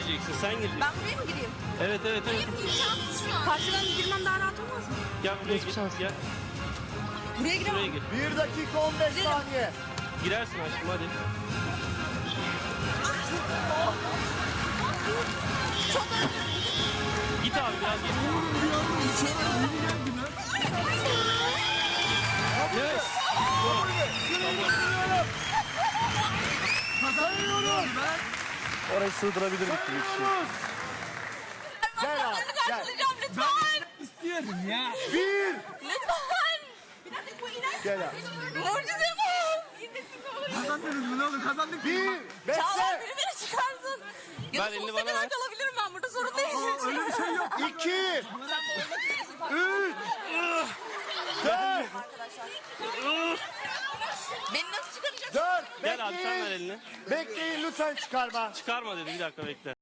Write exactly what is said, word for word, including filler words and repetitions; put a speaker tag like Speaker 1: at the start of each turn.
Speaker 1: gireceksin, sen gireceksin.
Speaker 2: Ben buraya mı gireyim?
Speaker 1: Evet evet evet.
Speaker 2: Hayır, imkansız şu an. Karşıdan girmem daha rahat olmaz mı?
Speaker 1: Gel buraya gir. Gel.
Speaker 2: Buraya giremem.
Speaker 1: Buraya gir.
Speaker 3: Bir dakika on beş
Speaker 2: Girelim.
Speaker 3: saniye.
Speaker 1: Girersin aşkım hadi.
Speaker 2: Çok özür
Speaker 1: Git abi biraz git. Evet.
Speaker 3: Sayıyorum.
Speaker 4: Orayı sığdırabilirdik bir kişi.
Speaker 3: Gel abi gel.
Speaker 2: Karşılayacağım lütfen.
Speaker 5: İstiyorum ya.
Speaker 3: Bir.
Speaker 2: Lütfen. Bir dakika bu iner.
Speaker 3: Gel abi.
Speaker 2: Mucize bu. İnmesin ne olur.
Speaker 5: Kazandınız mı ne olur kazandık.
Speaker 3: Bir.
Speaker 2: Çağlar
Speaker 3: Bekle.
Speaker 2: biri beni çıkarsın. Ya
Speaker 1: Ver
Speaker 2: da
Speaker 1: elini
Speaker 2: sonsuza
Speaker 1: bana
Speaker 2: kadar
Speaker 1: ver.
Speaker 2: kalabilirim ben burada, sorun değil.
Speaker 5: Öyle bir şey yok.
Speaker 3: İki.
Speaker 2: Sen boyuna gidiyorsun.
Speaker 3: Üç. Dört.
Speaker 2: Arkadaşlar. Beni nasıl çıkaracaksın?
Speaker 3: Dört.
Speaker 1: Gel abi sen ver
Speaker 3: Bekleyin.
Speaker 1: elini.
Speaker 3: Bekleyin lütfen çıkarma.
Speaker 1: Çıkarma dedi, bir dakika bekle.